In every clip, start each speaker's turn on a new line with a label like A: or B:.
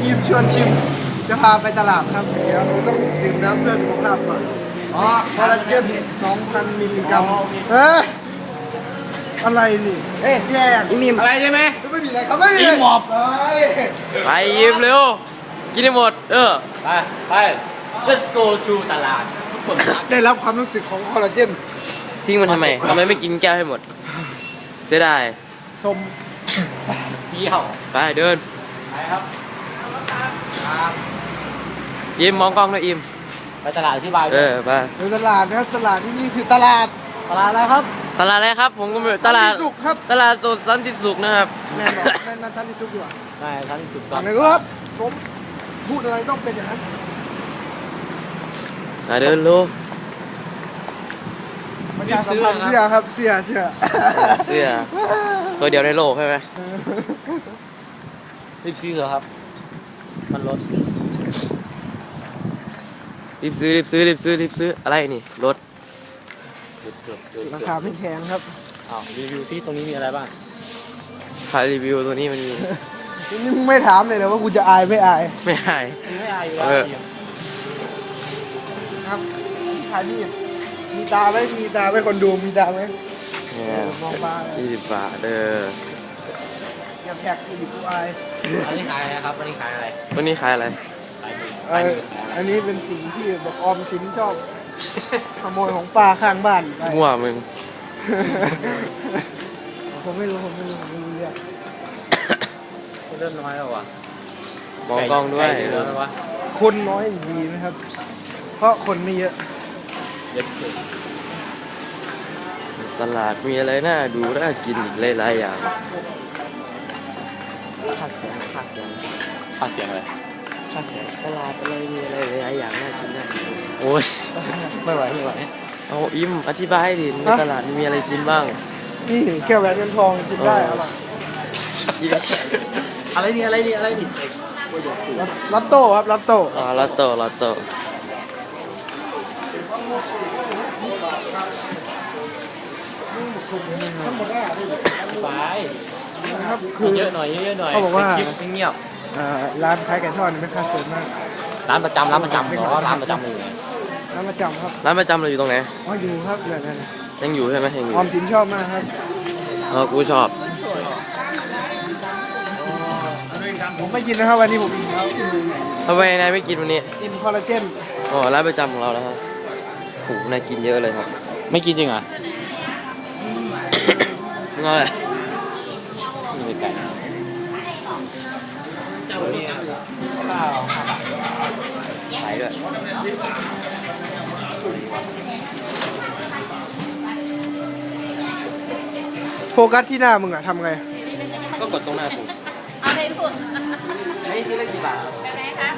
A: ยิมชวนชิมจะพาไปตลาดครับเดี๋ยวเราต้องดื่มน้ำเพื่อสุขภาพก่อนคอลลาเจน 2,000 มิลลิกรัมอะไรนี่แยก
B: อิ่มอะไรใช่ไหม
A: ไม่มีอะไรครับไม่มี
B: อิ่มหมอบ
C: ไปยิ้มเร็วกินให้หมด
B: ไป let's go to ตลาดซุปเปอร์มาร์เก็ต
A: ได้รับความรู้สึกของคอลลาเจน
C: ทิ้งมันทำไมไม่กินแก้วให้หมดเสียดาย
A: ส้ม
B: เที่ยว
C: ไปเดิน
B: ไปครับ
C: ยิ้มมองกล้องด้วยยิ้ม
B: ไปตลาดที่บาย
C: ไป
A: ในตลาดนะครับตลาดที่นี่คือตลาด
B: อะไรครับ
C: ตลาดอะไรครับผมก็ไม่ตลาด
A: สุขครับ
C: ตลาดสดสันติสุขนะครับ
A: แม่นมาท่านที่สุขดีกว่า
B: ได้ท่านที่สุข
A: ไหนครับผมพูดอะไรต้องเป็นอย่างนั้น
C: เดินลูก
A: ประชาสัมพันธ์เสื้อครับเสื้อ
C: ตัวเดียวในโลกใช่ไหม
B: รีบซื้อเหรอครับมันลด
C: รีบซื้ออะไรนี่รถ
A: ราคาไม่แพงครับ
B: รีวิวซิตรงนี้มีอะไรบ้าง
C: ใครรีวิวตัวนี้มันมี
A: นี่มึงไม่ถามเลยนะว่ากูจะอายไม่อาย
C: ไม่อาย
B: อยู่แล้ว
A: ครับขายนี่มีตาไหมคนดูมีตาไหมมองตา
C: 20 บาท
A: อย่าแท็กอีกกูอาย
B: อันนี้ขายอะไรครับอันนี้ขายอะไร
C: ตัวนี้ขายอะไร
A: อันนี้เป็นสิ่งที่บอกออมสินชอบขโมยของป้าข้างบ้าน
C: มั่วมึง
A: ผมไม่รู้เรื่อง
B: เริ่มน้อยแล้ววะ
C: มองกล้องด้วย
A: คนน้อยดีนะครับเพราะคนไม่เยอะ
C: ตลาดมีอะไรน่าดูน่ากินอีกหลายๆอย่าง
B: ค่าเสียงอะไร
C: ค่าเสียงตลาดอะไรมีอะไรหลายอย่างน่ากินโอ้ย
B: ไม่ไหว
C: เอาอิ่มอธิบายดิในตลาดมีอะไรกินบ้าง
A: นี่แก้วแหวนเงินทองกินได้
B: อะไรนี่
A: ลัตโต้ครับลัตโต้
C: ลัตโต้
B: ไป
A: นะครับ
B: เยอะหน่อย
A: เขาบอกว่า
B: เงียบ
A: ร้านขายไก่ทอดนี่เป็นค่าเสิร์ฟมาก
B: ร้านประจำหรอร้านประจำเลย
A: ร้านประจำครับ
C: ร้านประจำเราอยู่ตรงไหน
A: อยู่ครับ
C: ยังอยู่ใช่ไหมยังอยู่
A: ออมสินชอบมากครับ
C: กูชอบ
A: ผมไม่กินนะครับวันนี้ผม
C: ทำไมนายไม่กินวันนี้
A: กินคอลลาเจน
C: ร้านประจำของเราแล้วครับโหนายกินเยอะเลยครับ
B: ไม่กินจริงเหรอ
C: มึงเอาอะไร
B: มีไก่
C: ขายด้วย
A: โฟกัสที่หน้ามึงอะทำไง
C: ก็กดตรงหน้ากู
D: เอาเลยคุณ
C: นี่ที่เล็กกี่บาทครับ
D: เป็นไงคะ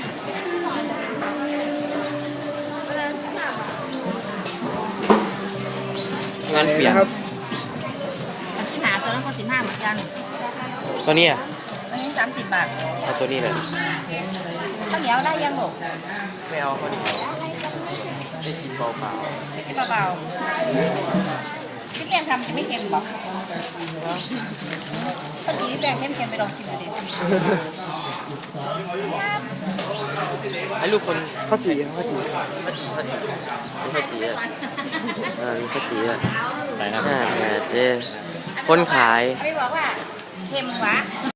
C: งานเปลี่ยน
A: ครับ
D: อันที่หาตัวนั้นก็15เหมือนกัน
C: ตัวนี้อ่ะ
D: อันนี้30 บาท
C: เอาตัวนี้เลย
D: ข้าวเหนียวได้ยังหรอ
C: ไม่เอาข้าวเหนียวได้กินเปล่า
D: กินเบาๆพี่แปงทำจะไม่เค็มหรอถ้ากินพี่แปงเค็มๆไปลองชิมดูดิ
C: ให้ลูกคน
A: ข้าวจี่
C: อ่ะมีข้าวจี่อ่ะ
B: ไหนนะ
C: เจ๊คนขาย
D: ไม่บอกว่าเค็มวะ